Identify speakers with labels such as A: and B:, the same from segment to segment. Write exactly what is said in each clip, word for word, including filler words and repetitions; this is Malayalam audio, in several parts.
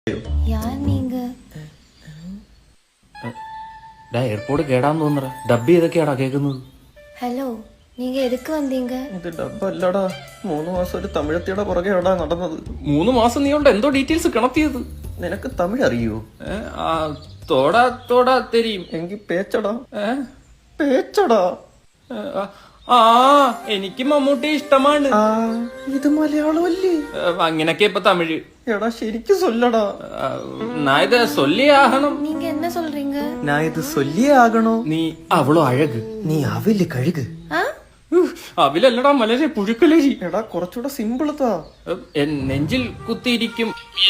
A: யார் நீங்க?
B: എയർപോർട്ട് കേടാന്ന് തോന്നറ ഡബ്ബി ഏതൊക്കെയാടാ കേൾക്കുന്നത്.
A: ഹലോ, നീങ്ക എതുക്ക് വന്നീങ്ക?
C: ഇത് ഡബ്ബല്ലടാ, മൂന്ന് മാസം ഒരു തമിഴത്തിയുടെ പുറകെയാടാ നടന്നത്.
B: മൂന്ന് മാസം നീ കൊണ്ട് എന്തോ ഡീറ്റെയിൽസ് കിണത്തിയത്.
C: നിനക്ക് തമിഴ് അറിയോ?
B: തോടാ തോടാ തെരിയും.
C: എങ്കി പേച്ചടാ പേച്ചടാ.
B: ആ എനിക്ക് മമ്മൂട്ടി ഇഷ്ടമാണ്.
C: ഇത് മലയാളമല്ലേ?
B: അങ്ങനൊക്കെ ഇപ്പൊ തമിഴ്.
C: എടാ ശരിക്കും സൊല്ലടാ.
B: നാ ഇത് സൊല്ലിയാകണം.
A: நீங்க என்ன சொல்றீங்க?
C: ഞാൻ ഇത് സൊല്ലിയേ ആകണോ?
B: നീ അവളോ അഴക്,
C: നീ അവില് കഴുക്.
A: ആ?
B: അവിലല്ലടാ മലരെ പുഴുക്കലരി.
C: എടാ കുറച്ചുകൂടെ സിമ്പിൾ താ.
B: നെഞ്ചിൽ കുത്തിയിരിക്കും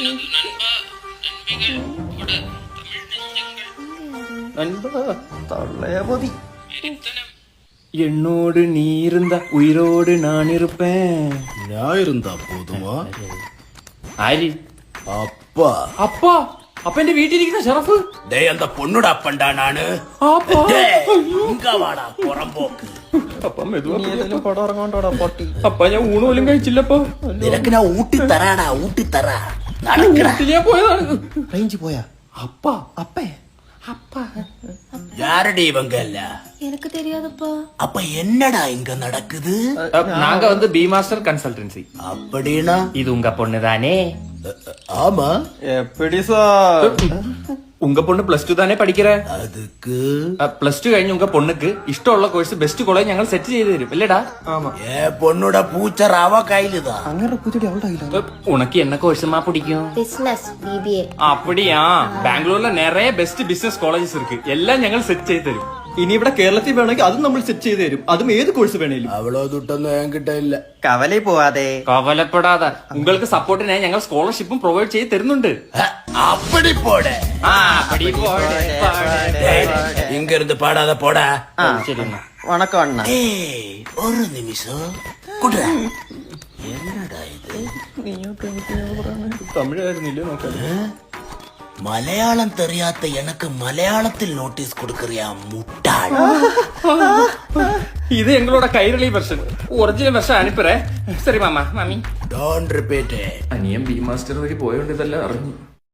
C: തള്ളയപതി.
B: என்னோடு நீ இருந்தா உயிரோடு நான் இருப்பேன்.
D: நான் இருந்தா போதுமா?
B: ആര്?
D: அப்பா.
B: അപ്പാ? അപ്പന്റെ വീട്ടിലിരിക്കുന്ന ഷറഫ്?
D: டேய் அந்த பொண்ணுட அப்பன்டா நானு.
B: അപ്പാ
D: இங்க வாடா புறம்போக்கு.
B: അപ്പ മെതുവാ.
C: നീ ഏതെങ്കിലും പടം ഇറങ്ങാണ്ടോടാ പൊട്ടി.
B: അപ്പ ഞാൻ ഊണ് പോലും കഴിച്ചില്ലപ്പോ.
D: നിനക്ക് ഞാൻ ഊട്ടി തരാടാ, ഊട്ടി തരാ. നടക്കടാ.
B: ഞാൻ പോയതാണ്.
C: റേഞ്ച് പോയാ?
B: അപ്പാ
C: അപ്പേ
B: அப்பா
D: யாரடி இவங்க இல்ல?
A: எனக்கு தெரியாதுப்பா.
D: அப்ப என்னடா இங்க நடக்குது?
B: நாங்க வந்து பி மாஸ்டர் கன்சல்டன்சி.
D: அப்படின்னா
B: இது உங்க பொண்ணு தானே?
D: ஆமா.
C: എപ്പടി സാർ?
B: உங்க பொண்ணு பிளஸ் டூ தானே படிக்கிற?
D: அதுக்கு
B: பிளஸ் டூ കഴിഞ്ഞ உங்க பொண்ணுக்கு ഇഷ്ടമുള്ള കോഴ്സ് ബെസ്റ്റ് കോളേജ് ഞങ്ങൾ സെറ്റ് ചെയ്ത് തരും അല്ലേടാ?
D: ஏ பொண்ணுட பூச்சர் அவ கையிலுதான்.
C: അങ്ങനെ പുതിയ അവളുടെ കയ്യിലാ.
B: உனக்கு என்ன கோர்ஸ்மா பிடிக்கும்?
A: Business BBA.
B: அப்படியா? பெங்களூர்ல நிறைய பெஸ்ட் பிசினஸ் காலேஜஸ் இருக்கு. எல்லாம் ഞങ്ങൾ സെറ്റ് ചെയ്ത് തരും.
C: ഇനി ഇവിടെ കേരളത്തിൽ വേണമെങ്കിൽ അതും നമ്മൾ സെറ്റ് ചെയ്ത് തരും. അതും ഏത് കോഴ്സ് വേണേലും.
D: அவ்வளவு துட்டொന്നും என்கிட்ட இல்ல.
C: കവലേ പോവാതെ
B: കവലപ്പെടാതെ உங்களுக்கு സപ്പോർട്ടിനായി ഞങ്ങൾ സ്കോളർഷിപ്പും പ്രൊവൈഡ് ചെയ്ത് തരുന്നുണ്ട്.
D: அப்படி போட.
B: ആ അപ്പടി പോടെ പോടെ.
D: இங்க இருந்து பாடாத போட.
B: ശരി എന്നാ.
C: വണക്കം അണ്ണ.
D: ஏய் ஒரு நிமிஷம் குடுறா. என்னடா இது?
B: തമിഴായിരുന്നില്ലേ നോക്കാം.
D: மலையாளம் தெரியாத எனக்கு மலையாளத்தில் நோட்டீஸ் கொடுக்கறியா முட்டாள்?
B: ഇത് എങ്ങളോட കൈരളി വെർഷൻ. ഒറിജിനൽ വെർഷൻ അനുപ്പറേ. ശരി മാമ മാമി.
D: Don't repeat it.
B: അനിയൻ ബി മാസ്റ്റർ വഴി പോയോണ്ട് ഇതെല്ലാം അറിഞ്ഞു.